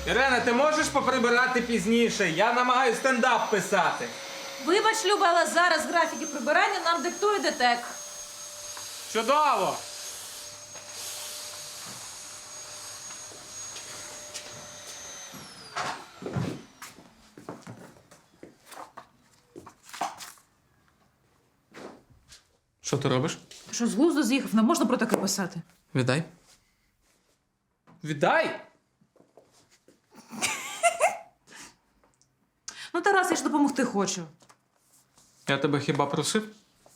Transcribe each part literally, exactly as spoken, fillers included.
Ірена, ти можеш поприбирати пізніше? Я намагаюся стендап писати. Вибач, Люба, але зараз графіки прибирання нам диктує ДТЕК. Чудово! Що ти робиш? Що, з глузду з'їхав? Не можна про таке писати. Віддай. Віддай? Ну, Тарас, я ж допомогти хочу. Я тебе хіба просив?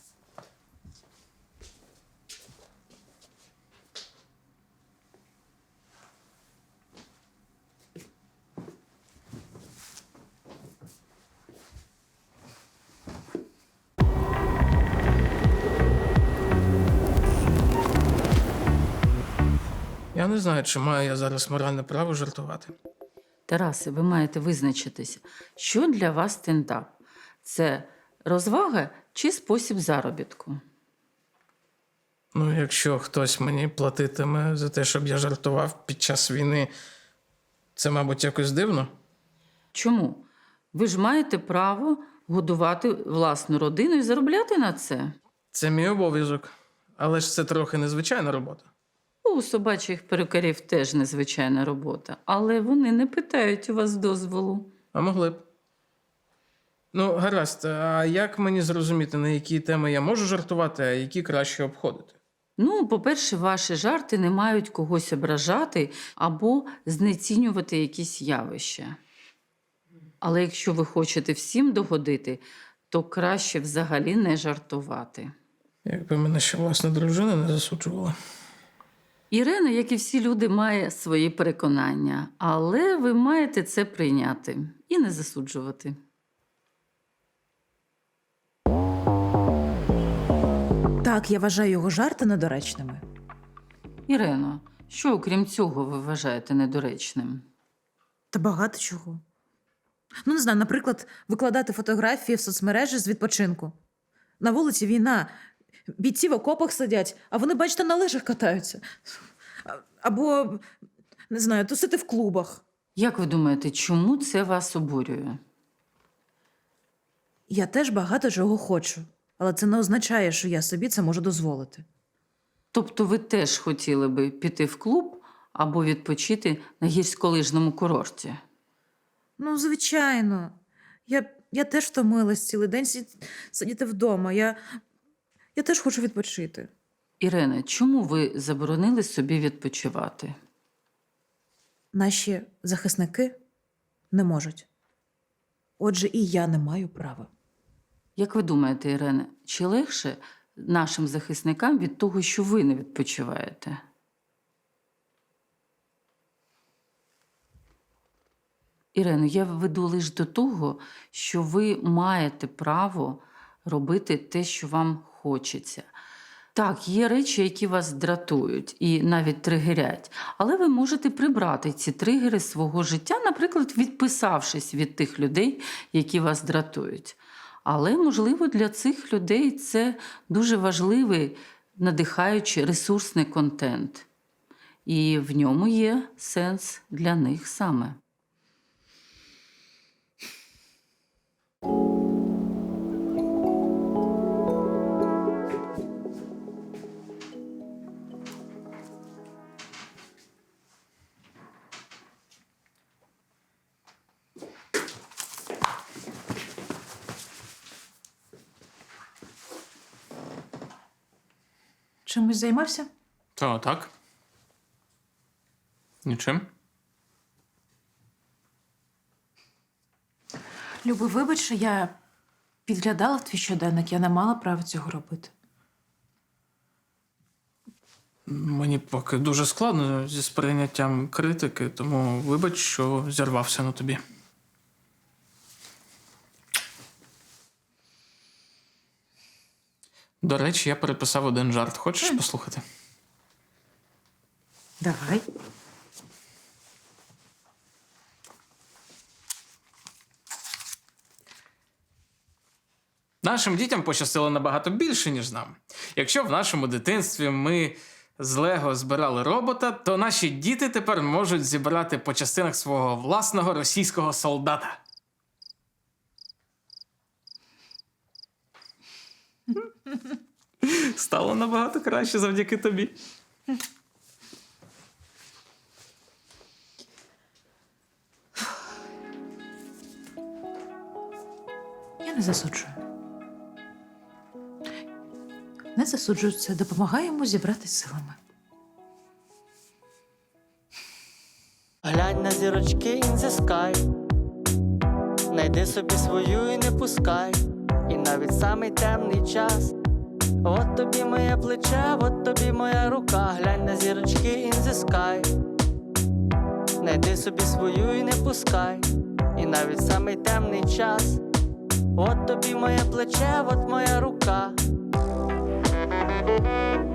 Я не знаю, чи маю я зараз моральне право жартувати. Тарасе, ви маєте визначитися, що для вас стендап? Це розвага чи спосіб заробітку? Ну, якщо хтось мені платитиме за те, щоб я жартував під час війни, це, мабуть, якось дивно. Чому? Ви ж маєте право годувати власну родину і заробляти на це. Це мій обов'язок. Але ж це трохи незвичайна робота. У собачих перукарів теж незвичайна робота, але вони не питають у вас дозволу. А могли б. Ну, гаразд, а як мені зрозуміти, на які теми я можу жартувати, а які краще обходити? Ну, по-перше, ваші жарти не мають когось ображати або знецінювати якісь явища. Але якщо ви хочете всім догодити, то краще взагалі не жартувати. Якби мене ще власна дружина не засуджувала. Ірина, як і всі люди, має свої переконання, але ви маєте це прийняти і не засуджувати. Так, я вважаю його жарти недоречними. Ірино, що окрім цього ви вважаєте недоречним? Та багато чого. Ну, не знаю, наприклад, викладати фотографії в соцмережі з відпочинку. На вулиці війна. Бійці в окопах сидять, а вони, бачите, на лижах катаються. А- Або, не знаю, тусити в клубах. Як ви думаєте, чому це вас обурює? Я теж багато чого хочу, але це не означає, що я собі це можу дозволити. Тобто ви теж хотіли би піти в клуб або відпочити на гірськолижному курорті? Ну, звичайно. Я, я теж втомилась цілий день сі- сидіти вдома. Я, я теж хочу відпочити. Ірина, чому ви заборонили собі відпочивати? Наші захисники не можуть. Отже, і я не маю права. Як ви думаєте, Ірина, чи легше нашим захисникам від того, що ви не відпочиваєте? Ірино, я веду лише до того, що ви маєте право робити те, що вам хочеться. Так, є речі, які вас дратують і навіть тригерять, але ви можете прибрати ці тригери з свого життя, наприклад, відписавшись від тих людей, які вас дратують. Але, можливо, для цих людей це дуже важливий, надихаючий, ресурсний контент. І в ньому є сенс для них саме. Чимось займався? То так. Нічим. Люби, вибач, що я підглядала в твій щоденник, я не мала права цього робити. Мені поки дуже складно зі сприйняттям критики, тому вибач, що зірвався на тобі. До речі, я переписав один жарт. Хочеш послухати? Давай. Нашим дітям пощастило набагато більше, ніж нам. Якщо в нашому дитинстві ми з Лего збирали робота, то наші діти тепер можуть зібрати по частинах свого власного російського солдата. Стало набагато краще завдяки тобі. Я не засуджую. Не засуджую це, допомагає йому зібратись силами. Глянь на зірочки in the sky. Найди собі свою і не пускай. І навіть самий темний час. От тобі моє плече, от тобі моя рука. Глянь на зірочки in the sky. Найди собі свою і не пускай. І навіть самий темний час. От тобі моє плече, от моя рука.